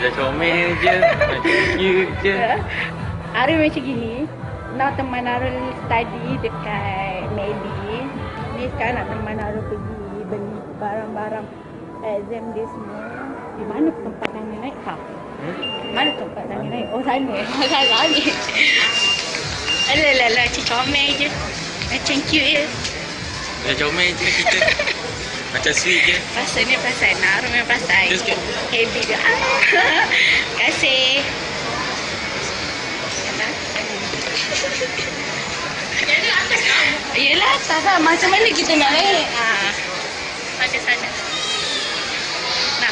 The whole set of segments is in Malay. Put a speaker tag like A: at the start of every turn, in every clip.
A: Macam comel je. Macam cute je.
B: Arul macam gini. Now teman Arul study dekat Medi. Ni sekarang nak teman Arul pergi beli barang-barang exam dia semua. Di mana tempat Nani naik? Mana tempat Nani naik? Oh sana. Salah ni. Alah, macam comel je. Macam cute je.
A: Macam comel je kita. Macam sweet je.
B: Pasal Arul memang pasal heavy je. Terima kasih.
C: Jadi atas kamu.
B: Yelah atas lah. Macam mana kita nak naik?
C: Ada sana.
B: Nah.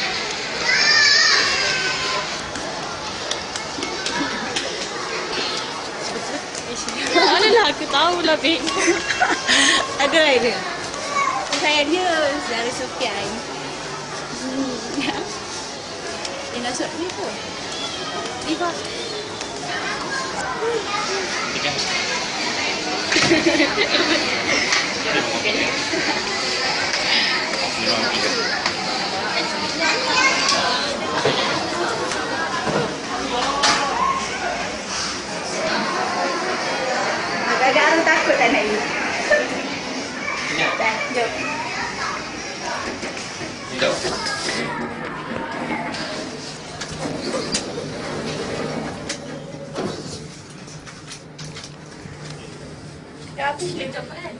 C: Alah aku tahulah Bek.
B: Ada idea. Saya dia dari Sofian. Nak masuk ni tu. Liva.
A: Ikan.
B: Agak-agak orang takut tak nak ni. Dah, jom.
A: Jom.
C: Dah habis laptop kan?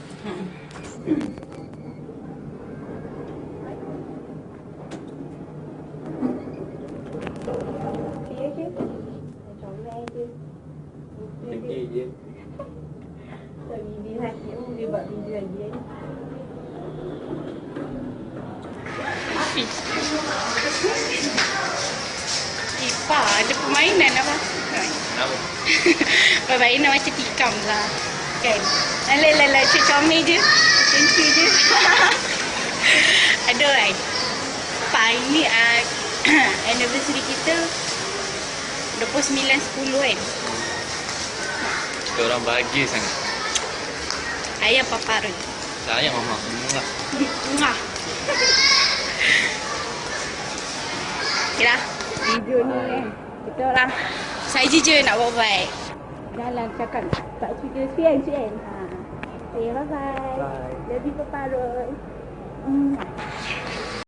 B: Dia je. Comel je.
A: Tinggi je.
B: Tak video lagi. Dia buat video lagi kan.
C: Hafiz. Ipa, ada permainan apa?
A: Kenapa?
B: Permainan macam tikam lah. Kan? Alah, macam comel je. Macam cute je. Ada kan? Pak, ini anniversary kita 29/10 kan?
A: Kita orang bahagia sangat.
B: Ayah Papa Arul.
A: Sayang mama. Mwah.
B: Mwah. Okay lah. Video ni kan. Kita orang saja je nak buat-buat. Jalan cakap tak cerita Suan. Okay, bye-bye.
A: Bye.
B: Love you Papa Arul.